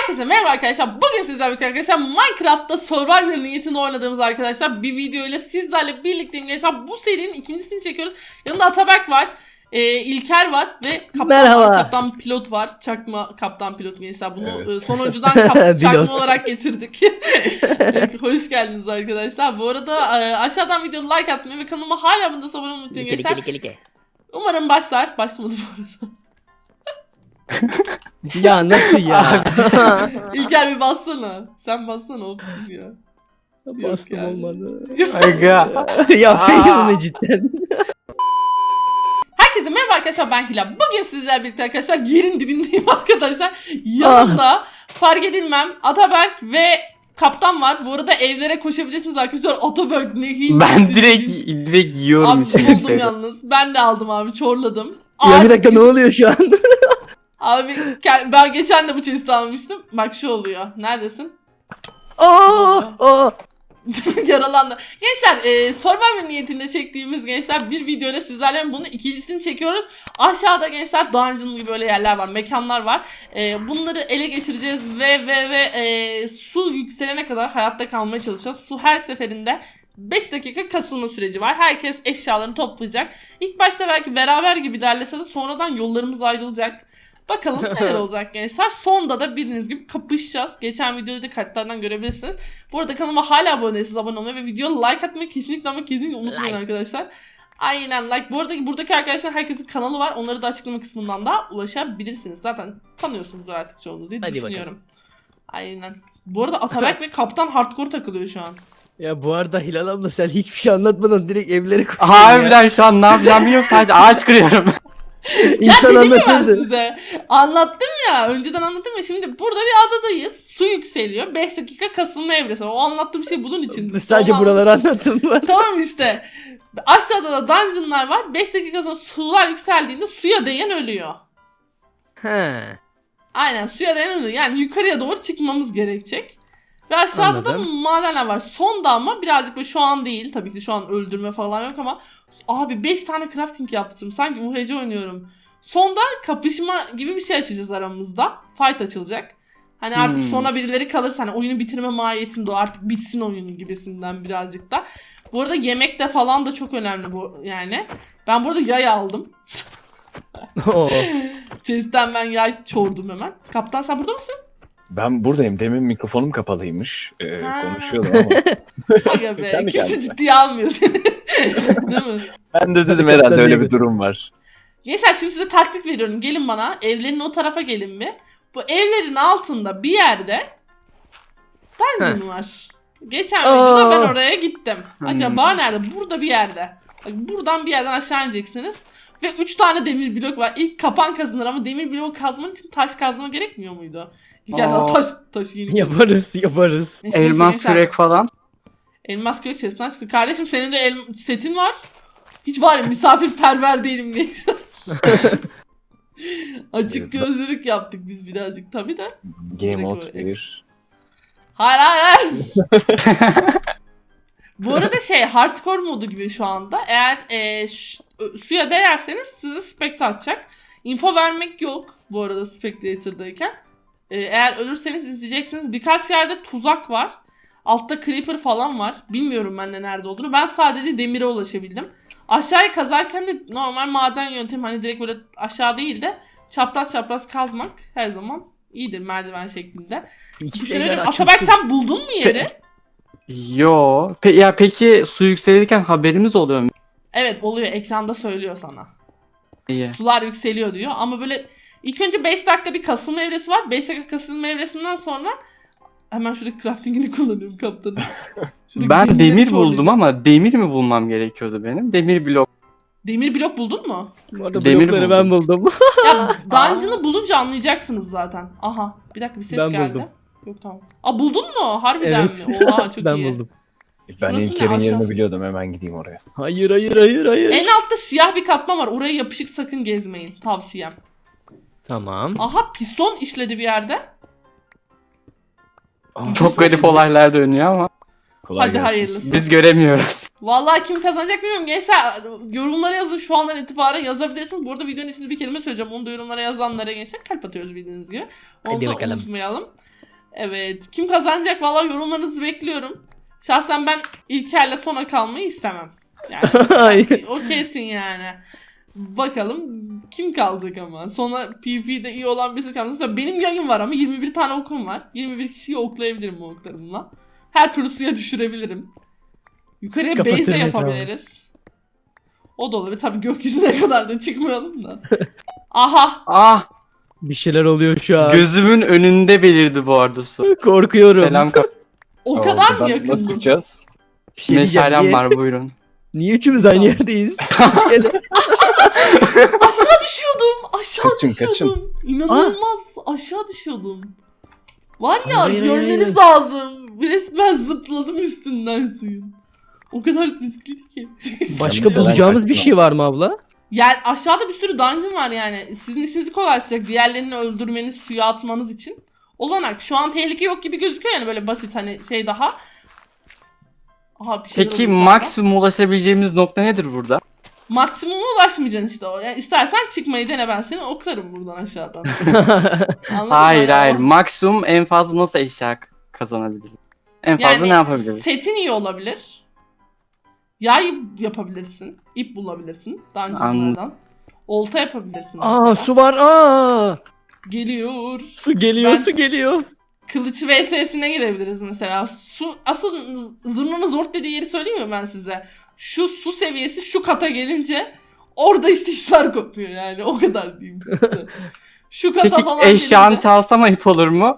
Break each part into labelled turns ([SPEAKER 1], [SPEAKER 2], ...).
[SPEAKER 1] Herkese merhaba arkadaşlar. Bugün sizlerle birlikte arkadaşlar Minecraft'ta Survivor niyetini oynadığımız arkadaşlar bir video ile sizlerle birlikteyim. Gençler bu serinin ikincisini çekiyoruz. Yanında Atabek var, İlker var ve kaptan pilot var. Çakma kaptan pilot gençler. Bunu evet. Sonuncudan çakma olarak getirdik. Hoş geldiniz arkadaşlar. Bu arada aşağıdan videoda like atmayı ve kanalıma hala abone olmayı unutmayın gençler. Umarım başlar. Başlamadı bu arada.
[SPEAKER 2] Ya nasıl ya?
[SPEAKER 1] İlker bir bassana. Sen bassana opsin ya.
[SPEAKER 2] Bastım yani. Olmadı.
[SPEAKER 3] Aga.
[SPEAKER 2] Ya feyim cidden.
[SPEAKER 1] Herkese merhaba arkadaşlar, ben Hilal. Bugün sizlerle birlikte arkadaşlar yerin dibindeyim arkadaşlar. Yanımda fark edilmem Atabek ve kaptan var. Bu arada evlere koşabilirsiniz arkadaşlar. Atabek ne hiç.
[SPEAKER 3] Ben direkt yiyorum.
[SPEAKER 1] Abi buldum yalnız. Ben de aldım abi, çorladım.
[SPEAKER 2] Ya bir dakika, ne oluyor şu an?
[SPEAKER 1] Abi ben geçen de bu chest'i almıştım. Bak şu oluyor. Neredesin?
[SPEAKER 2] Aa!
[SPEAKER 1] Yaralandı. Gençler Survivor niyetinde çektiğimiz gençler bir videoyla sizlerle bunun ikincisini çekiyoruz. Aşağıda gençler dungeon gibi böyle yerler var, mekanlar var. Bunları ele geçireceğiz ve su yükselene kadar hayatta kalmaya çalışacağız. Su her seferinde 5 dakika kasılma süreci var. Herkes eşyalarını toplayacak. İlk başta belki beraber gibi ilerlese de sonradan yollarımız ayrılacak. Bakalım neler olacak gençler. Sonda da bildiğiniz gibi kapışacağız. Geçen videoda da kartlardan görebilirsiniz. Bu arada kanalıma hala abone değilseniz abone olmayı ve videoya like atmayı kesinlikle unutmayın arkadaşlar. Aynen like. Bu arada buradaki arkadaşlar herkesin kanalı var. Onları da açıklama kısmından da ulaşabilirsiniz. Zaten tanıyorsunuzdur artık çoğunuz diye düşünüyorum. Bakalım. Aynen. Bu arada Atabek ve kaptan hardcore takılıyor şu an.
[SPEAKER 2] Ya bu arada Hilal abla sen hiçbir şey anlatmadan direkt evlere koşuyorsun.
[SPEAKER 3] Harbiden şu an ne yapacağım bilmiyorum, sadece ağaç kırıyorum.
[SPEAKER 2] İnsan
[SPEAKER 1] dedim ya ben
[SPEAKER 2] anlatırdı.
[SPEAKER 1] size. Anlattım ya. Önceden anlattım ya. Şimdi burada bir adadayız. Su yükseliyor. 5 dakika kasılma evresi. O anlattığım şey bunun için.
[SPEAKER 2] Sadece buraları anlattım ben.
[SPEAKER 1] Tamam işte. Aşağıda da dungeonlar var. 5 dakika sonra sular yükseldiğinde suya değen ölüyor.
[SPEAKER 2] He.
[SPEAKER 1] Aynen, suya değen ölüyor. Yani yukarıya doğru çıkmamız gerekecek. Ve aşağıda da madenler var. Sonda ama birazcık böyle, şu an değil. Tabii ki şu an öldürme falan yok ama abi 5 tane crafting yaptım. Sanki UHC oynuyorum. Sonda kapışma gibi bir şey açacağız aramızda. Fight açılacak. Hani artık sona birileri kalırsa, hani oyunu bitirme mahiyetinde o, artık bitsin oyun gibisinden birazcık da. Bu arada yemek de falan da çok önemli bu yani. Ben burada yay aldım. Chest'ten ben yay çordum hemen. Kaptan sen burada mısın?
[SPEAKER 4] Ben buradayım. Demin mikrofonum kapalıymış. Konuşuyordum ama.
[SPEAKER 1] Aga be. Kimse ciddiye almıyor seni. Değil mi?
[SPEAKER 4] Ben de dedim herhalde öyle bir durum var.
[SPEAKER 1] Gençler şimdi size taktik veriyorum. Gelin bana. Evlerin o tarafa gelin bir. Bu evlerin altında bir yerde dungeon var. Geçen videoda ben oraya gittim. Acaba nerede? Burada bir yerde. Bak, buradan bir yerden aşağı ineceksiniz. Ve 3 tane demir blok var. İlk kapan kazanır ama demir blok kazman için taş kazma gerekmiyor muydu? Yani taş yeni.
[SPEAKER 2] Yaparız.
[SPEAKER 3] Elmas kürek falan.
[SPEAKER 1] Elmas kürek chest'ten çıktı. Kardeşim senin de setin var. Hiç var ya, misafirperver değilim diye. Açık gözlülük yaptık biz birazcık tabii de.
[SPEAKER 4] Game mode 1.
[SPEAKER 1] Hayır. Bu arada hardcore modu gibi şu anda. Eğer suya değerseniz size spectre atacak. Info vermek yok bu arada spectator'dayken. Eğer ölürseniz izleyeceksiniz. Birkaç yerde tuzak var. Altta creeper falan var. Bilmiyorum ben de nerede olduğunu. Ben sadece demire ulaşabildim. Aşağıya kazarken de normal maden yöntemi, hani direkt böyle aşağı değil de çapraz kazmak her zaman iyidir, merdiven şeklinde. Atabek sen buldun mu yeri?
[SPEAKER 3] Yo. Peki su yükselirken haberimiz oluyor mu?
[SPEAKER 1] Evet oluyor, ekranda söylüyor sana.
[SPEAKER 3] İyi.
[SPEAKER 1] Sular yükseliyor diyor ama böyle ilk önce 5 dakika bir kasılma evresi var. 5 dakika kasılma evresinden sonra hemen şuradaki crafting'ini kullanıyorum kaptanım.
[SPEAKER 3] Ben demir buldum ama demir mi bulmam gerekiyordu benim? Demir blok.
[SPEAKER 1] Demir blok buldun mu?
[SPEAKER 2] Bu arada
[SPEAKER 3] Demir
[SPEAKER 2] blokları ben buldum.
[SPEAKER 1] Ya dungeon'ı bulunca anlayacaksınız zaten. Aha bir dakika, bir ses
[SPEAKER 2] Ben
[SPEAKER 1] geldi.
[SPEAKER 2] buldum.
[SPEAKER 1] Yok tamam. Buldun mu? Harbiden
[SPEAKER 2] Evet.
[SPEAKER 1] mi? Oha çok
[SPEAKER 2] Ben
[SPEAKER 1] iyi.
[SPEAKER 2] buldum.
[SPEAKER 4] Ben
[SPEAKER 1] Şurası
[SPEAKER 4] İlker'in
[SPEAKER 1] ne?
[SPEAKER 4] yerini
[SPEAKER 1] Aşağısı.
[SPEAKER 4] biliyordum. Hemen gideyim oraya.
[SPEAKER 2] Hayır.
[SPEAKER 1] En altta siyah bir katman var. Oraya yapışık sakın gezmeyin. Tavsiyem.
[SPEAKER 2] Tamam.
[SPEAKER 1] Aha piston işledi bir yerde.
[SPEAKER 3] Çok garip olaylar dönüyor ama
[SPEAKER 4] Kolay
[SPEAKER 1] Hadi
[SPEAKER 4] gelsin.
[SPEAKER 1] hayırlısı.
[SPEAKER 3] biz göremiyoruz.
[SPEAKER 1] Vallahi kim kazanacak bilmiyorum. Gençler yorumlara yazın, şu andan itibaren yazabilirsiniz. Bu arada videonun içinde bir kelime söyleyeceğim. Onu da yorumlara yazanlara gençler kalp atıyoruz bildiğiniz gibi. Onu
[SPEAKER 2] Hadi
[SPEAKER 1] da
[SPEAKER 2] bakalım.
[SPEAKER 1] unutmayalım. Evet. Kim kazanacak valla yorumlarınızı bekliyorum. Şahsen ben İlker'le sona kalmayı istemem.
[SPEAKER 2] Ay.
[SPEAKER 1] Yani o kesin yani. Bakalım kim kalacak ama. Sonra PvP'de iyi olan birisi kalırsa benim yayın var ama 21 tane okum var. 21 kişiyi oklayabilirim bu oklarımla. Her türlü suya düşürebilirim. Yukarıya base de
[SPEAKER 2] Kapatırım
[SPEAKER 1] yapabiliriz. O da olabilir. Tabii gökyüzüne kadar da çıkmayalım da. Aha.
[SPEAKER 3] Ah,
[SPEAKER 2] Bir şeyler oluyor şu an.
[SPEAKER 3] gözümün önünde belirdi bu arada su.
[SPEAKER 2] Korkuyorum.
[SPEAKER 3] Selam kap.
[SPEAKER 1] O
[SPEAKER 4] Aa,
[SPEAKER 1] kadar mı
[SPEAKER 4] buradan
[SPEAKER 1] yakın?
[SPEAKER 4] Nasıl çıkacağız?
[SPEAKER 2] Bir şey diyeceğim.
[SPEAKER 3] Meşalem
[SPEAKER 2] Niye,
[SPEAKER 3] var, buyurun.
[SPEAKER 2] niye üçümüz aynı yerdeyiz?
[SPEAKER 1] Aşağı düşüyordum. Aşağı
[SPEAKER 4] Kaçın,
[SPEAKER 1] düşüyordum. İnanılmaz. Aşağı düşüyordum. Var ya
[SPEAKER 2] Hayır, hayır,
[SPEAKER 1] görmeniz
[SPEAKER 2] hayır.
[SPEAKER 1] lazım. Resmen zıpladım üstünden suyun. O kadar riskliydi ki.
[SPEAKER 2] Başka
[SPEAKER 4] Mesela
[SPEAKER 2] bulacağımız bir
[SPEAKER 4] kaçtın
[SPEAKER 2] şey var mı abla?
[SPEAKER 1] Yani aşağıda bir sürü dungeon var yani. Sizin işinizi kolaylaştıracak. Diğerlerini öldürmeniz, suya atmanız için. Olanak. Şu an tehlike yok gibi gözüküyor yani böyle basit hani şey daha. Aha, bir şeyler
[SPEAKER 3] Peki
[SPEAKER 1] oluyor galiba.
[SPEAKER 3] maksimum ulaşabileceğimiz nokta nedir burada?
[SPEAKER 1] Maksimuma ulaşmayacaksın işte o. Yani istersen çıkmayı dene, ben seni oklarım buradan aşağıdan. Anladın mı?
[SPEAKER 3] Hayır
[SPEAKER 1] Hani o-
[SPEAKER 3] hayır. Maksimum en fazla nasıl eşya kazanabilirim? En fazla
[SPEAKER 1] Yani
[SPEAKER 3] ne yapabiliriz?
[SPEAKER 1] setin iyi olabilir. Yay yapabilirsin. İp bulabilirsin. Dungeonlardan. Olta yapabilirsin
[SPEAKER 2] Aa
[SPEAKER 1] mesela.
[SPEAKER 2] su var. Aa
[SPEAKER 1] Geliyor.
[SPEAKER 2] su geliyor,
[SPEAKER 1] Ben-
[SPEAKER 2] su geliyor.
[SPEAKER 1] Kılıç vs'sine girebiliriz mesela. Su, asıl zurnanın zor dediği yeri söyleyeyim mi ben size? Şu su seviyesi şu kata gelince orada işte işler kopuyor yani. O kadar diyeyim size. Şu kata
[SPEAKER 3] Peki
[SPEAKER 1] falan
[SPEAKER 3] eşyan
[SPEAKER 1] gelince
[SPEAKER 3] çalsam ayıp olur mu?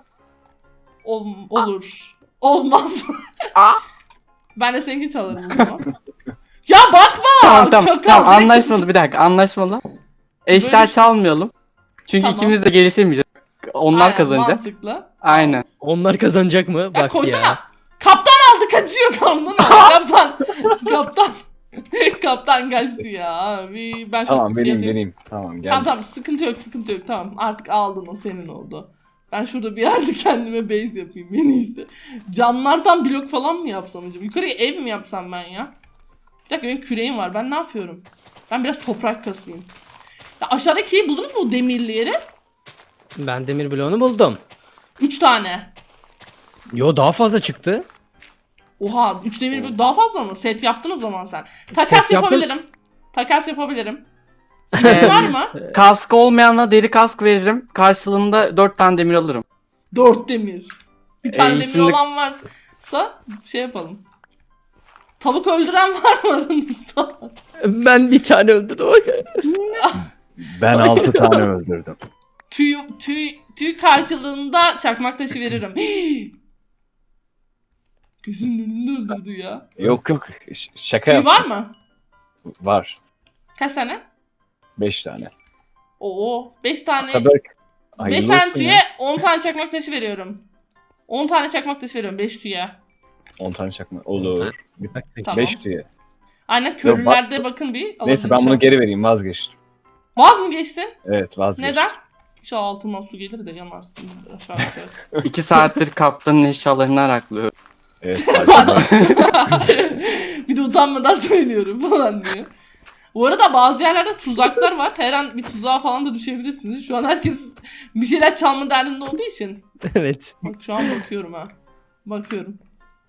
[SPEAKER 1] olur. Olmaz.
[SPEAKER 3] Aa.
[SPEAKER 1] Ben de seninkini çalarım o zaman. Ya bakma!
[SPEAKER 3] Tamam tamam.
[SPEAKER 1] Çakal,
[SPEAKER 3] Tamam
[SPEAKER 1] direkt-
[SPEAKER 3] anlaşmalı, bir dakika anlaşmalı. Eşya
[SPEAKER 1] Böyle-
[SPEAKER 3] çalmayalım. Çünkü
[SPEAKER 1] Tamam.
[SPEAKER 3] ikimiz de gelişemeyeceğiz. Onlar
[SPEAKER 1] Aynen,
[SPEAKER 3] kazanacak.
[SPEAKER 1] Mantıklı.
[SPEAKER 3] Aynen.
[SPEAKER 2] Onlar kazanacak mı?
[SPEAKER 1] Ya
[SPEAKER 2] Bak
[SPEAKER 1] koysana.
[SPEAKER 2] ya.
[SPEAKER 1] Kaptan aldı, kaçıyor kaptan aldı. Kaptan. Kaptan kaçtı ya abi. Ben şu
[SPEAKER 4] Tamam
[SPEAKER 1] şey
[SPEAKER 4] vereyim
[SPEAKER 1] yapayım.
[SPEAKER 4] vereyim. Tamam gel.
[SPEAKER 1] Tamam sıkıntı yok sıkıntı yok, tamam artık aldın, o senin oldu. Ben şurada bir yerde kendime base yapayım en iyisi. Camlardan blok falan mı yapsam acaba? Yukarıya ev mi yapsam ben ya? Bir dakika, benim küreğim var, ben ne yapıyorum? Ben biraz toprak kasayım. Ya aşağıdaki şeyi buldunuz mu, o demirli yeri?
[SPEAKER 2] Ben demir bloğunu buldum.
[SPEAKER 1] 3 tane.
[SPEAKER 2] Yo daha fazla çıktı.
[SPEAKER 1] Oha 3 demir blok daha fazla mı? Set yaptın o zaman sen. Takas
[SPEAKER 2] Set yaptım.
[SPEAKER 1] yapabilirim. Takas yapabilirim. İpin var mı?
[SPEAKER 3] Kask olmayanla deri kask veririm. Karşılığında 4 tane demir alırım.
[SPEAKER 1] 4 demir. Bir tane demir
[SPEAKER 3] şimdi-
[SPEAKER 1] olan varsa şey yapalım. Tavuk öldüren var mı aranızda?
[SPEAKER 2] Ben bir tane öldürdüm.
[SPEAKER 4] Ben 6 tane öldürdüm.
[SPEAKER 1] Tüy karşılığında çakmak taşı veririm. Gözünün önünde öldürdü ya.
[SPEAKER 4] Yok yok şaka
[SPEAKER 1] Tüy
[SPEAKER 4] yaptım.
[SPEAKER 1] var mı?
[SPEAKER 4] Var.
[SPEAKER 1] Kaç tane?
[SPEAKER 4] 5 tane.
[SPEAKER 1] Oo 5 tane.
[SPEAKER 4] Kadar
[SPEAKER 1] 5
[SPEAKER 4] hayırlı
[SPEAKER 1] tane
[SPEAKER 4] olsun
[SPEAKER 1] tüye
[SPEAKER 4] ya.
[SPEAKER 1] 10 tane çakmak taşı veriyorum. 10 tane çakmak taşı veriyorum 5 tüye.
[SPEAKER 4] 10 tane çakma. Olur.
[SPEAKER 1] Tamam.
[SPEAKER 4] 5 diye.
[SPEAKER 1] Aynen köylülerde bakın bir.
[SPEAKER 4] Neyse ben bunu geri vereyim vazgeçtim.
[SPEAKER 1] Vaz mı geçtin?
[SPEAKER 4] Evet vazgeçtim.
[SPEAKER 1] Neden? İnşallah altından su gelir de yanarsın. Aşağı düşersin.
[SPEAKER 3] 2 saattir kaptanın eşyalarını araklıyorum.
[SPEAKER 4] Evet farkındayım.
[SPEAKER 1] Bir de utanmadan söylüyorum falan diye. Bu arada bazı yerlerde tuzaklar var. Her an bir tuzağa falan da düşebilirsiniz. Şu an herkes bir şeyler çalma derdinde olduğu için.
[SPEAKER 2] Evet.
[SPEAKER 1] Bak şu an bakıyorum ha. Bakıyorum.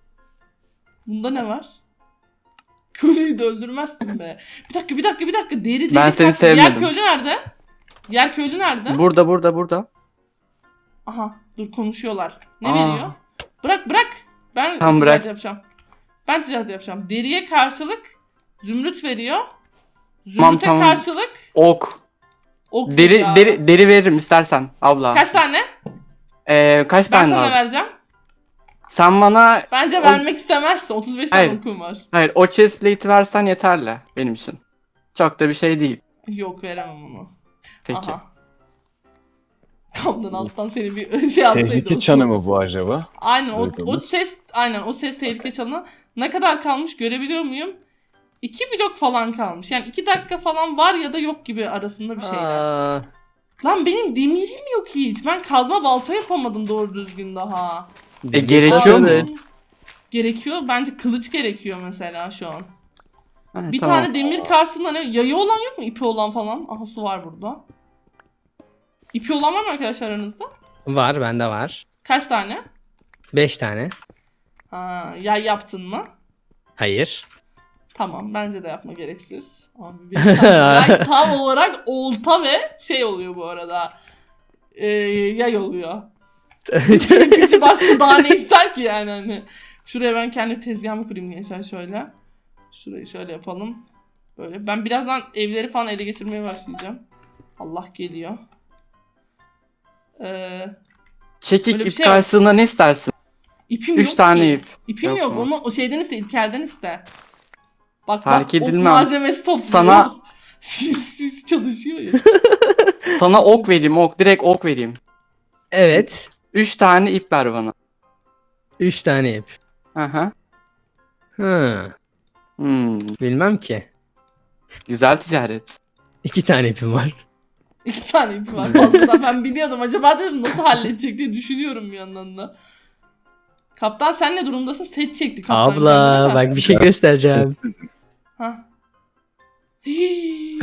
[SPEAKER 1] Bunda ne var? Köylüyü de öldürmezsin be. Bir dakika. Deri
[SPEAKER 3] Ben seni
[SPEAKER 1] kalktı. Diğer
[SPEAKER 3] sevmedim.
[SPEAKER 1] köylü nerede? Diğer köylü nerede?
[SPEAKER 3] Burada.
[SPEAKER 1] Aha dur konuşuyorlar. Ne
[SPEAKER 3] Aa.
[SPEAKER 1] veriyor? Bırak. Ben
[SPEAKER 3] Tamam,
[SPEAKER 1] ticaret
[SPEAKER 3] bırak.
[SPEAKER 1] yapacağım. Ben ticaret yapacağım. Deriye karşılık zümrüt veriyor.
[SPEAKER 3] Tamam,
[SPEAKER 1] Zümrüte
[SPEAKER 3] tamam.
[SPEAKER 1] karşılık
[SPEAKER 3] Ok.
[SPEAKER 1] ok
[SPEAKER 3] Deri
[SPEAKER 1] veriyor.
[SPEAKER 3] deri veririm istersen abla.
[SPEAKER 1] Kaç tane?
[SPEAKER 3] Kaç
[SPEAKER 1] Ben
[SPEAKER 3] tane
[SPEAKER 1] sana
[SPEAKER 3] lazım?
[SPEAKER 1] vereceğim.
[SPEAKER 3] Sen bana
[SPEAKER 1] Bence vermek istemezsin. 35 tane
[SPEAKER 3] Hayır.
[SPEAKER 1] okum var.
[SPEAKER 3] hayır o chest plate'i versen yeterli benim için. Çok da bir şey değil.
[SPEAKER 1] Yok veremem onu.
[SPEAKER 3] Peki.
[SPEAKER 1] Aha. Kamdan alttan seni bir şey yapsaydı.
[SPEAKER 4] Tehlike
[SPEAKER 1] olsun.
[SPEAKER 4] çanı mı bu acaba?
[SPEAKER 1] Aynen o
[SPEAKER 4] Duydunuz.
[SPEAKER 1] ses o ses tehlike çanı. Ne kadar kalmış görebiliyor muyum? 2 blok falan kalmış. Yani 2 dakika falan var ya da yok gibi arasında bir şeyler.
[SPEAKER 2] Aa,
[SPEAKER 1] Lan benim demirim yok hiç. Ben kazma balta yapamadım doğru düzgün daha.
[SPEAKER 3] Gerekiyor mu?
[SPEAKER 2] Evet.
[SPEAKER 1] Gerekiyor. Bence kılıç gerekiyor mesela şu an.
[SPEAKER 3] Ha,
[SPEAKER 1] Bir
[SPEAKER 3] tamam.
[SPEAKER 1] tane demir karşısında ne? Yayı olan yok mu? İpi olan falan. Aha su var burada. İpi olan var mı arkadaşlar aranızda?
[SPEAKER 2] Var bende var.
[SPEAKER 1] Kaç tane?
[SPEAKER 2] 5 tane.
[SPEAKER 1] Ha, yay yaptın mı?
[SPEAKER 2] Hayır.
[SPEAKER 1] Tamam, bence de yapma, gereksiz. Abi 5 tane yay tam olarak olta ve şey oluyor bu arada. Yay oluyor. Küçük başka daha ne ister ki yani hani. Şuraya ben kendi tezgahımı kurayım gençler şöyle. Şurayı şöyle yapalım. Böyle. Ben birazdan evleri falan ele geçirmeye başlayacağım. Allah geliyor.
[SPEAKER 3] Çekik
[SPEAKER 1] Öyle bir
[SPEAKER 3] ip
[SPEAKER 1] şey yok.
[SPEAKER 3] karşısında ne istersin?
[SPEAKER 1] İpim
[SPEAKER 3] 3
[SPEAKER 1] yok
[SPEAKER 3] tane
[SPEAKER 1] ki.
[SPEAKER 3] ip.
[SPEAKER 1] İpim
[SPEAKER 3] Yok
[SPEAKER 1] yok.
[SPEAKER 3] mu?
[SPEAKER 1] Onu o şeyden iste, İlker'den iste. Bak
[SPEAKER 3] Fark
[SPEAKER 1] bak,
[SPEAKER 3] edilmem.
[SPEAKER 1] ok malzemesi topluyor.
[SPEAKER 3] Sana-
[SPEAKER 1] siz çalışıyor ya.
[SPEAKER 3] Sana ok vereyim, ok. Direkt ok vereyim.
[SPEAKER 2] Evet.
[SPEAKER 3] 3 tane ip ver bana.
[SPEAKER 2] 3 tane ip.
[SPEAKER 3] Aha.
[SPEAKER 2] Hı. Bilmem ki.
[SPEAKER 3] Güzel ticaret.
[SPEAKER 2] 2 tane ipim var.
[SPEAKER 1] 2 tane ip var fazladan. Ben biliyordum. Acaba dedim nasıl halledecek diye düşünüyorum bir yandan da. Kaptan sen ne durumdasın? Set çekti kaptan.
[SPEAKER 2] Abla
[SPEAKER 1] kendine de.
[SPEAKER 2] bak bir şey
[SPEAKER 4] Biraz
[SPEAKER 2] göstereceğim.
[SPEAKER 4] Sessizim.
[SPEAKER 1] Ha. Hii,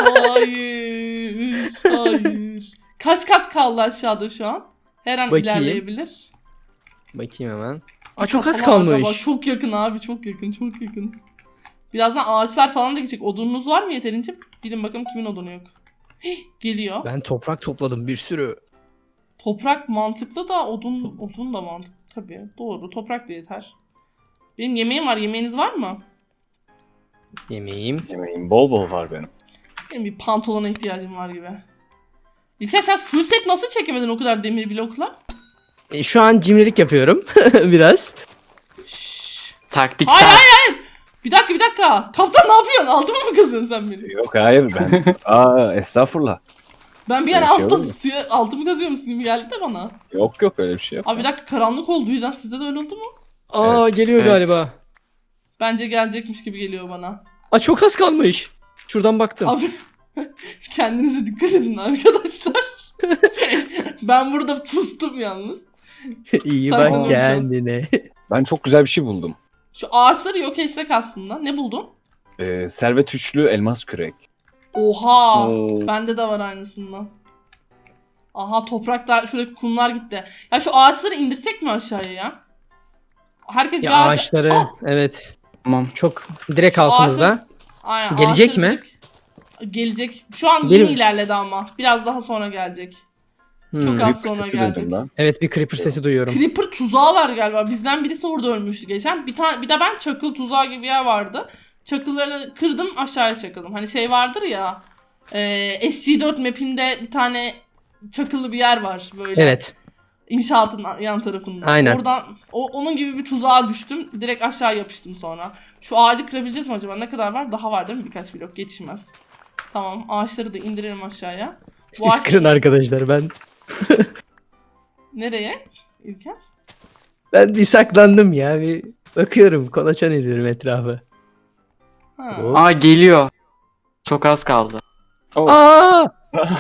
[SPEAKER 1] hayır. Hayır. Kaç kat kaldı aşağıda şu an? Her an
[SPEAKER 2] Bakayım.
[SPEAKER 1] ilerleyebilir.
[SPEAKER 2] Bakayım hemen. Aa çok az
[SPEAKER 1] Falan var, bak,
[SPEAKER 2] kalmış.
[SPEAKER 1] çok yakın abi, çok yakın, çok yakın. Birazdan ağaçlar falan da gidecek. Odununuz var mı yeterince? Bilin bakalım kimin odunu yok. Hih, geliyor.
[SPEAKER 2] Ben toprak topladım bir sürü.
[SPEAKER 1] Toprak mantıklı da odun da mantıklı. Tabii doğru, toprak da yeter. Benim yemeğim var, yemeğiniz var mı?
[SPEAKER 2] Yemeğim.
[SPEAKER 4] Yemeğim bol bol var benim.
[SPEAKER 1] Benim bir pantolona ihtiyacım var gibi. İlker sen full set nasıl çekemedin o kadar demir blokla?
[SPEAKER 2] Şu an cimrilik yapıyorum biraz.
[SPEAKER 1] Şşş.
[SPEAKER 3] Taktiksel.
[SPEAKER 1] Hayır. Bir dakika. Kaptan ne yapıyorsun? Altımı mı kazıyorsun sen benim?
[SPEAKER 4] Yok hayır ben. Estağfurullah.
[SPEAKER 1] Ben bir ara
[SPEAKER 4] Öyle şey
[SPEAKER 1] altta
[SPEAKER 4] olur mu?
[SPEAKER 1] suya altımı kazıyor musun gibi geldi de bana.
[SPEAKER 4] Yok öyle bir şey yok.
[SPEAKER 1] Abi bir dakika, karanlık oldu birden, sizde de öyle oldu mu?
[SPEAKER 2] Aa
[SPEAKER 4] Evet,
[SPEAKER 2] geliyor
[SPEAKER 3] evet.
[SPEAKER 2] galiba.
[SPEAKER 1] Bence gelecekmiş gibi geliyor bana.
[SPEAKER 2] Aa çok az kalmış. Şuradan baktım.
[SPEAKER 1] Abi kendinize dikkat edin arkadaşlar. Ben burada pustum yalnız.
[SPEAKER 2] İyi
[SPEAKER 1] Sakın
[SPEAKER 2] bak
[SPEAKER 1] olsun.
[SPEAKER 2] kendine.
[SPEAKER 4] Ben çok güzel bir şey buldum.
[SPEAKER 1] Şu ağaçları yok etsek aslında. Ne buldun?
[SPEAKER 4] Servet üçlü elmas kürek.
[SPEAKER 1] Oha!
[SPEAKER 3] Oo.
[SPEAKER 1] Bende de var aynısından. Aha, topraklar, şuraya kumlar gitti. Ya şu ağaçları indirsek mi aşağıya ya? Herkes
[SPEAKER 2] Ya
[SPEAKER 1] bir ağaç...
[SPEAKER 2] ağaçları
[SPEAKER 1] Ah!
[SPEAKER 2] evet
[SPEAKER 3] Tamam.
[SPEAKER 2] çok direkt
[SPEAKER 1] Şu
[SPEAKER 2] altımızda.
[SPEAKER 1] Aynen,
[SPEAKER 2] Gelecek
[SPEAKER 1] ağaçları
[SPEAKER 2] mi?
[SPEAKER 1] Gelecek. Şu an
[SPEAKER 2] Benim-
[SPEAKER 1] yeni ilerledi ama. Biraz daha sonra gelecek.
[SPEAKER 2] Hmm.
[SPEAKER 1] Çok az
[SPEAKER 4] Creeper
[SPEAKER 1] sonra
[SPEAKER 4] sesi
[SPEAKER 1] gelecek.
[SPEAKER 4] duydum ben.
[SPEAKER 2] Evet bir creeper sesi duyuyorum.
[SPEAKER 1] Creeper tuzağı var galiba. Bizden birisi orada ölmüştü geçen. Bir de ben çakıl tuzağı gibi bir yer vardı. Çakıllarını kırdım, aşağıya çakıldım. Hani şey vardır ya. SG4 map'inde bir tane çakıllı bir yer var böyle.
[SPEAKER 2] Evet.
[SPEAKER 1] İnşaatın yan tarafında.
[SPEAKER 2] Aynen.
[SPEAKER 1] Oradan onun gibi bir tuzağa düştüm. Direkt aşağı yapıştım sonra. Şu ağacı kırabileceğiz mi acaba? Ne kadar var? Daha var değil mi? Birkaç blok yetişmez. Tamam, ağaçları da indirelim aşağıya. Bu
[SPEAKER 2] Siz
[SPEAKER 1] ağaç-
[SPEAKER 2] kırın arkadaşlar ben.
[SPEAKER 1] Nereye? İlker?
[SPEAKER 2] Ben bir saklandım ya bir bakıyorum kolaçan ediyorum etrafı.
[SPEAKER 1] Ha.
[SPEAKER 2] Hop.
[SPEAKER 3] Aa geliyor. Çok az kaldı.
[SPEAKER 4] Oh.
[SPEAKER 2] Aa!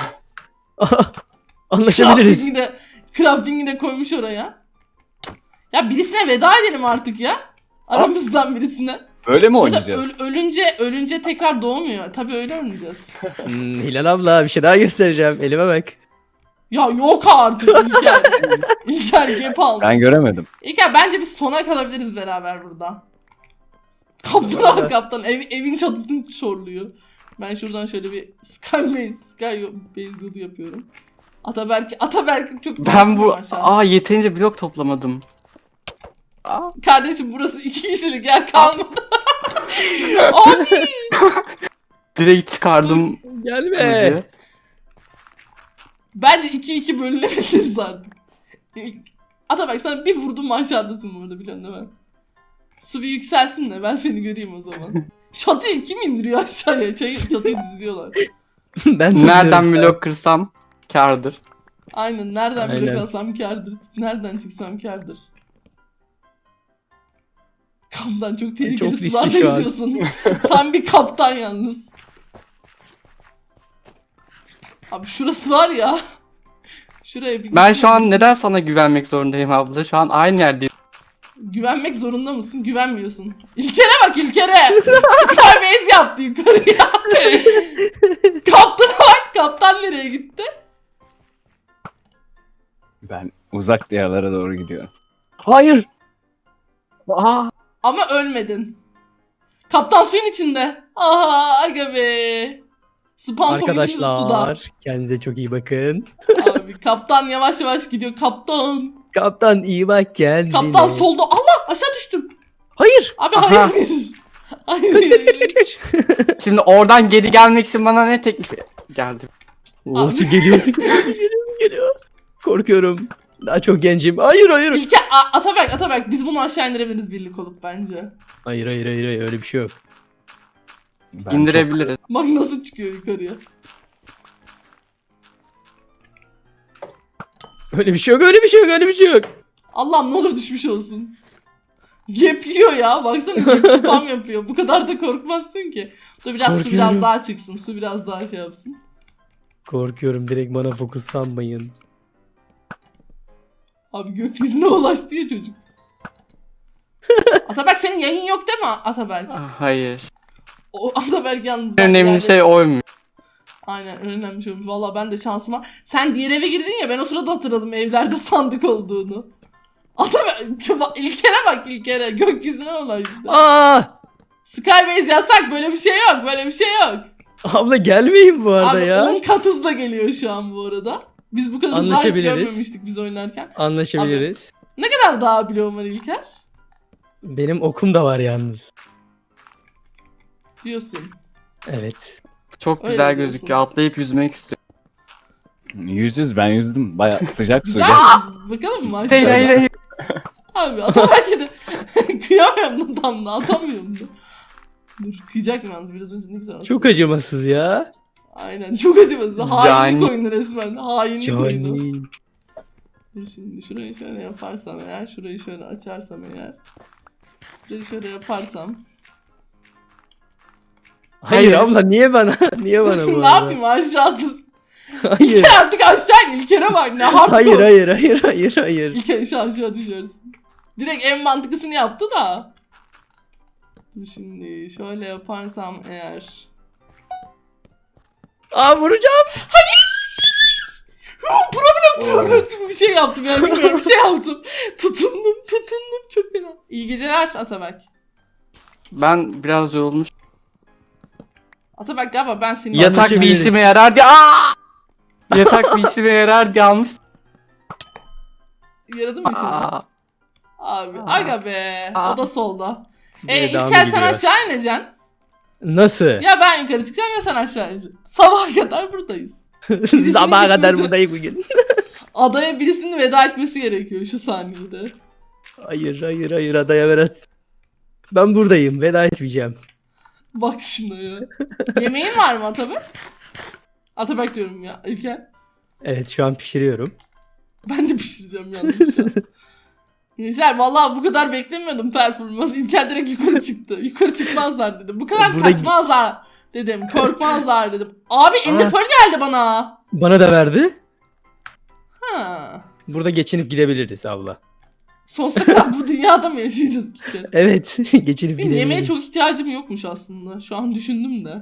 [SPEAKER 2] Anlaşabiliriz.
[SPEAKER 1] Crafting'i de koymuş oraya. Ya birisine veda edelim artık ya. Aramızdan birisine.
[SPEAKER 4] Böyle mi
[SPEAKER 1] Burada
[SPEAKER 4] oynayacağız?
[SPEAKER 1] ölünce tekrar doğmuyor. Tabii öyle oynayacağız.
[SPEAKER 2] Hilal abla bir şey daha göstereceğim. Elime bak.
[SPEAKER 1] Ya yok artık İlker. İlker gap almış.
[SPEAKER 4] Ben göremedim.
[SPEAKER 1] İlker bence biz sona kalabiliriz beraber burada. Kaptana bak kaptan. Evin çatısını çorluyor. Ben şuradan şöyle bir Skybase yolu yapıyorum. Ataberk çok...
[SPEAKER 3] Ben bu
[SPEAKER 1] Aşağı.
[SPEAKER 3] yeterince blok toplamadım.
[SPEAKER 1] Kardeşim burası 2 kişilik yer kalmadı. Abi.
[SPEAKER 3] Direkt çıkardım
[SPEAKER 2] Gelme.
[SPEAKER 3] kılıcı.
[SPEAKER 1] Bence 2-2 bölünebiliriz artık. Ataberk sana bir vurdum aşağıdasın bu arada, biliyorsun değil mi? Su bir yükselsin de ben seni göreyim o zaman. Çatıyı kim indiriyor aşağıya? Çatıyı düzüyorlar.
[SPEAKER 2] Ben
[SPEAKER 3] Nereden
[SPEAKER 2] tutuyorum.
[SPEAKER 3] blok kırsam kârdır.
[SPEAKER 1] Aynen, nereden
[SPEAKER 2] Aynen.
[SPEAKER 1] blok alsam kârdır. Nereden çıksam kârdır. Kaptan çok tehlikeli
[SPEAKER 2] Çok riskli
[SPEAKER 1] sularda
[SPEAKER 2] şu an.
[SPEAKER 1] yüzüyorsun. Tam bir kaptan yalnız. Abi şurası var ya. Şuraya bir
[SPEAKER 3] Ben şu an neden sana güvenmek zorundayım abla? Şu an aynı yerdeyim.
[SPEAKER 1] Güvenmek zorunda mısın? Güvenmiyorsun. İlker'e bak, İlker'e. Skybase yaptı yukarıya. Kaptana bak. Kaptan nereye gitti?
[SPEAKER 4] Ben uzak diyarlara doğru gidiyorum.
[SPEAKER 3] Hayır. Aa,
[SPEAKER 1] Ama ölmedin. Kaptan suyun içinde. Aha aga be. Spam pointimiz suda.
[SPEAKER 2] Arkadaşlar kendinize çok iyi bakın.
[SPEAKER 1] Abi kaptan yavaş yavaş gidiyor. Kaptan.
[SPEAKER 2] Kaptan iyi bak kendine.
[SPEAKER 1] Kaptan solda. Allah aşağı düştüm.
[SPEAKER 2] Hayır.
[SPEAKER 1] Abi
[SPEAKER 3] Aha.
[SPEAKER 1] hayır. Hayır.
[SPEAKER 2] Kaç.
[SPEAKER 3] şimdi oradan geri gelmek için bana ne teklifi geldi?
[SPEAKER 2] Oo, su geliyor su geliyor. Korkuyorum. Daha çok gencim. Hayır.
[SPEAKER 1] İlker, Ataberk biz bunu aşağı indirebiliriz birlik olup bence.
[SPEAKER 2] Hayır öyle bir şey yok.
[SPEAKER 4] Ben
[SPEAKER 3] İndirebiliriz.
[SPEAKER 1] Bak nasıl çıkıyor yukarıya.
[SPEAKER 2] Öyle bir şey yok.
[SPEAKER 1] Allah'ım ne olur düşmüş olsun. Gap yiyor ya. Baksana gap spam yapıyor. Bu kadar da korkmazsın ki. Dur biraz su
[SPEAKER 2] Korkuyorum.
[SPEAKER 1] biraz daha çıksın. Su biraz daha şey yapsın.
[SPEAKER 2] Korkuyorum, direkt bana fokuslanmayın.
[SPEAKER 1] Abi gökyüzüne ulaştı ya çocuk. Ataberk senin yayın yok değil mi Ataberk?
[SPEAKER 3] Hayır.
[SPEAKER 1] O Ataberk yalnız.
[SPEAKER 3] En önemli şey oymuş.
[SPEAKER 1] Aynen en önemli şey olmuş. Valla ben de şansıma. Sen diğer eve girdin ya ben o sırada hatırladım evlerde sandık olduğunu. Ataberk İlker'e bak İlker'e gökyüzüne ulaştı.
[SPEAKER 2] Aa!
[SPEAKER 1] Skybase yasak böyle bir şey yok böyle bir şey yok.
[SPEAKER 2] Abla gelmeyin bu arada
[SPEAKER 1] Abi
[SPEAKER 2] ya.
[SPEAKER 1] 10 kat hızla geliyor şu an bu arada. Biz bu kadar hızlı hiç
[SPEAKER 2] Anlaşabiliriz.
[SPEAKER 1] görmemiştik biz oynarken.
[SPEAKER 2] Anlaşabiliriz.
[SPEAKER 1] Ne kadar daha biliyorum var İlker?
[SPEAKER 2] Benim okum da var yalnız.
[SPEAKER 1] Diyorsun.
[SPEAKER 2] Evet.
[SPEAKER 3] Çok
[SPEAKER 1] Öyle
[SPEAKER 3] güzel
[SPEAKER 1] diyorsun.
[SPEAKER 3] gözüküyor. Atlayıp yüzmek istiyorum.
[SPEAKER 4] ben yüzdüm. Baya sıcak su.
[SPEAKER 1] Güzel
[SPEAKER 4] Gel.
[SPEAKER 1] bakalım mı
[SPEAKER 3] Hayır
[SPEAKER 1] aşağıya?
[SPEAKER 3] hayır hayır.
[SPEAKER 1] Abi Ataberk'e de kıyamıyorum da tam da atamıyorum da. Dur kıyacak mı yalnız biraz önce ne güzel attı.
[SPEAKER 2] Çok acımasız ya.
[SPEAKER 1] Aynen çok acımasız. Hainlik
[SPEAKER 3] Cani.
[SPEAKER 1] oyunu resmen. Hainlik oyunu.
[SPEAKER 2] Cani.
[SPEAKER 1] Dur şimdi şurayı şöyle yaparsam eğer, şurayı şöyle açarsam eğer. Şurayı şöyle yaparsam.
[SPEAKER 2] Hayır
[SPEAKER 3] Hayır.
[SPEAKER 2] abla niye bana? Niye bana bu
[SPEAKER 1] Ne
[SPEAKER 2] arada?
[SPEAKER 1] yapayım aşağıda?
[SPEAKER 2] Hayır.
[SPEAKER 1] İlker artık aşağı in. İlker'e bak ne hardcore.
[SPEAKER 2] Hayır.
[SPEAKER 1] İlker aşağı düşüyorsun. Direkt en mantıklısını yaptı da. Dur şimdi şöyle yaparsam eğer.
[SPEAKER 2] Aa vuracağım.
[SPEAKER 1] Problem gibi bir şey yaptım yani bilmiyorum bir şey yaptım. Tutundum çok fena. İyi geceler Ataberk.
[SPEAKER 3] Ben biraz yorulmuş.
[SPEAKER 1] Ataberk galiba ben seni
[SPEAKER 3] Yatak bir
[SPEAKER 2] Anlaşabiliriz.
[SPEAKER 3] işime yarar diye. Aa! Yatak bir işime yarar diye almış.
[SPEAKER 1] Yaradı mı şimdi?
[SPEAKER 3] Aa,
[SPEAKER 1] Abi
[SPEAKER 3] Aa.
[SPEAKER 1] aga be.
[SPEAKER 3] Aa.
[SPEAKER 1] O da solda.
[SPEAKER 2] Devamı
[SPEAKER 1] İlker sen
[SPEAKER 2] gidiyor.
[SPEAKER 1] aşağı ineceksin.
[SPEAKER 2] Nasıl?
[SPEAKER 1] Ya ben yukarı çıkacağım ya sen aşağı ineceksin. Sabaha kadar buradayız. Birisinin
[SPEAKER 2] Sabaha kadar
[SPEAKER 1] gitmesi-
[SPEAKER 2] buradayım bugün.
[SPEAKER 1] Adaya birisinin veda etmesi gerekiyor şu saniyede.
[SPEAKER 2] Hayır adaya Berat. Ben buradayım, veda etmeyeceğim.
[SPEAKER 1] Bak şuna ya. Yemeğin var mı Ataberk? Ataberk diyorum ya İlker.
[SPEAKER 2] Evet şu an pişiriyorum.
[SPEAKER 1] Ben de pişireceğim yalnız şu an. Gençler vallahi bu kadar beklemiyordum performans. İlker direkt yukarı çıktı. Yukarı çıkmazlar dedim. Bu kadar
[SPEAKER 2] Burada-
[SPEAKER 1] kaçmazlar dedim. Korkmazlar dedim. Abi Ender Pearl geldi bana.
[SPEAKER 2] Bana da verdi.
[SPEAKER 1] Ha.
[SPEAKER 2] Burada geçinip gidebiliriz abla.
[SPEAKER 1] Sonsuza kadar bu dünyada mı yaşayacağız İlker?
[SPEAKER 2] Evet geçinip
[SPEAKER 1] Benim
[SPEAKER 2] gidebiliriz.
[SPEAKER 1] yemeğe çok ihtiyacım yokmuş aslında. Şu an düşündüm de.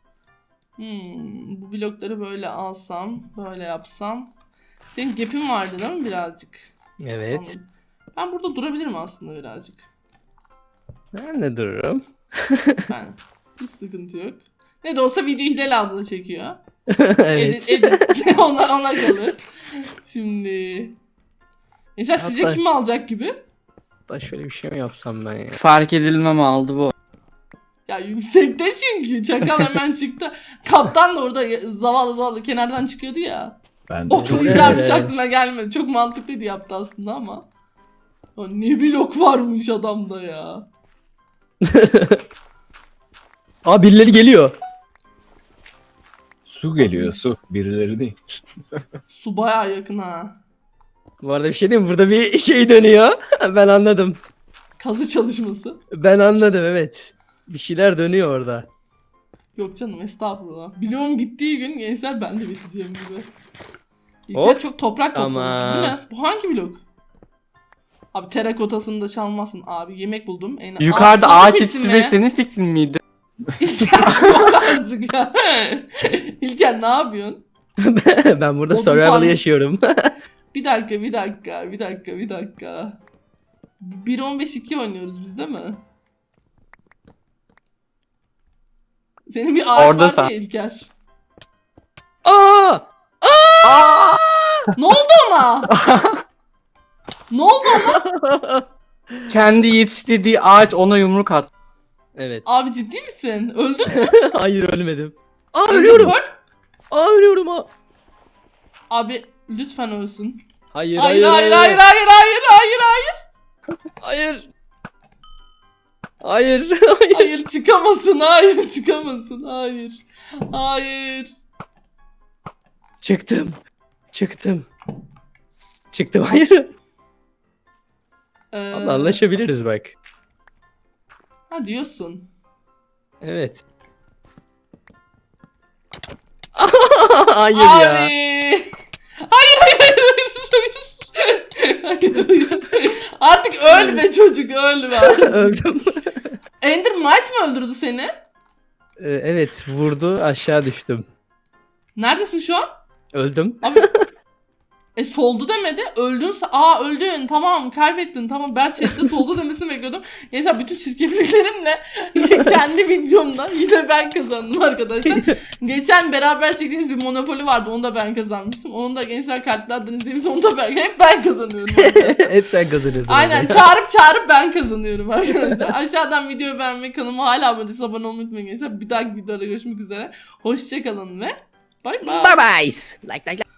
[SPEAKER 1] Bu blokları böyle alsam, böyle yapsam. Senin gap'in vardı değil mi birazcık?
[SPEAKER 2] Evet.
[SPEAKER 1] Tamam. Ben burada durabilirim aslında birazcık.
[SPEAKER 2] Ben de dururum.
[SPEAKER 1] Yani hiç sıkıntı yok. Ne de olsa videoyu Hilal abla çekiyor.
[SPEAKER 2] Evet.
[SPEAKER 1] Edit ona kalır. Şimdi... Mesela sizce
[SPEAKER 2] Hatta-
[SPEAKER 1] kim alacak gibi?
[SPEAKER 2] Da şöyle bir şey mi yapsam ben ya?
[SPEAKER 3] fark edilmem aldı bu.
[SPEAKER 1] Ya yüksekte çünkü. Çakal hemen çıktı. Kaptan da orada zavallı kenardan çıkıyordu ya.
[SPEAKER 4] Ben de
[SPEAKER 1] Oklayacağım
[SPEAKER 2] Evet.
[SPEAKER 1] hiç aklına gelmedi. Çok mantıklıydı yaptı aslında ama. Ya ne blok varmış adamda ya.
[SPEAKER 2] Aa birileri geliyor.
[SPEAKER 4] su geliyor su. Birileri değil.
[SPEAKER 1] Su bayağı yakın ha.
[SPEAKER 2] Bu arada bir şey diyeyim mi? Burada bir şey dönüyor. Ben anladım.
[SPEAKER 1] Kazı çalışması.
[SPEAKER 2] Ben anladım evet. Bir şeyler dönüyor orada.
[SPEAKER 1] Yok canım estağfurullah. Biliyorum bittiği gün gençler ben de biteceğim gibi. İlker
[SPEAKER 2] Hop.
[SPEAKER 1] çok toprak toplamışsın
[SPEAKER 2] Tamam.
[SPEAKER 1] değil mi? Bu hangi blok? Abi terakotasını da çalmasın abi. Yemek buldum.
[SPEAKER 3] Yukarıda
[SPEAKER 1] Aa,
[SPEAKER 3] ağaç
[SPEAKER 1] fikrin
[SPEAKER 3] yetiştirmek
[SPEAKER 1] ne?
[SPEAKER 3] senin fikrin miydi?
[SPEAKER 1] İlker yok artık ya. İlker ne yapıyorsun?
[SPEAKER 2] Ben burada
[SPEAKER 1] Odun
[SPEAKER 2] survival
[SPEAKER 1] farmı-
[SPEAKER 2] yaşıyorum.
[SPEAKER 1] Bir dakika. 1.15-2 oynuyoruz biz değil mi? Senin bir ağaç
[SPEAKER 3] Orada
[SPEAKER 1] var
[SPEAKER 3] sen.
[SPEAKER 1] ya İlker.
[SPEAKER 2] Aa!
[SPEAKER 1] Ne oldu ona? Ne oldu ona?
[SPEAKER 3] Kendi yetiştirdiği ağaç ona yumruk at.
[SPEAKER 2] Evet.
[SPEAKER 1] Abi ciddi misin? Öldün mü?
[SPEAKER 2] Hayır ölmedim. Aa
[SPEAKER 1] Öldün
[SPEAKER 2] ölüyorum.
[SPEAKER 1] mü?
[SPEAKER 2] Aa ölüyorum ha.
[SPEAKER 1] Abi lütfen ölsün.
[SPEAKER 2] Hayır
[SPEAKER 1] Hayır hayır hayır hayır hayır hayır hayır.
[SPEAKER 2] Hayır. Hayır. Hayır.
[SPEAKER 1] Hayır çıkamasın hayır çıkamasın hayır. Hayır.
[SPEAKER 2] Çıktım. Çıktım. Çıktım. Hayır. Allah anlaşabiliriz bak.
[SPEAKER 1] Ha diyorsun.
[SPEAKER 2] Evet. Hayır
[SPEAKER 1] Abi.
[SPEAKER 2] ya.
[SPEAKER 1] Hayır hayır hayır hayır. Hayır hayır. Artık ölme çocuk ölme.
[SPEAKER 2] Öldüm.
[SPEAKER 1] Ender Might mi öldürdü seni?
[SPEAKER 2] Evet vurdu aşağı düştüm.
[SPEAKER 1] Neredesin şu an?
[SPEAKER 2] Öldüm.
[SPEAKER 1] Abi. Soldu demedi. Öldün. Aa öldün. Tamam kaybettin. Tamam ben chatte soldu demesini bekliyordum. Neyse bütün çirkefliklerimle kendi videomda yine ben kazandım arkadaşlar. Geçen beraber çektiğimiz bir Monopoly vardı. Onu da ben kazanmıştım. Onu da gençler kartlardan izlediğimiz onu da ben. Hep ben kazanıyorum arkadaşlar.
[SPEAKER 2] Hep sen kazanıyorsun.
[SPEAKER 1] Aynen
[SPEAKER 2] orada.
[SPEAKER 1] çağırıp ben kazanıyorum arkadaşlar. Aşağıdan videoyu beğenmeyi, kanalıma hala abone değilseniz abone olmayı unutmayın gençler. Bir dahaki videoda görüşmek üzere. Hoşçakalın ve bay bay.
[SPEAKER 2] Bye bye. Like.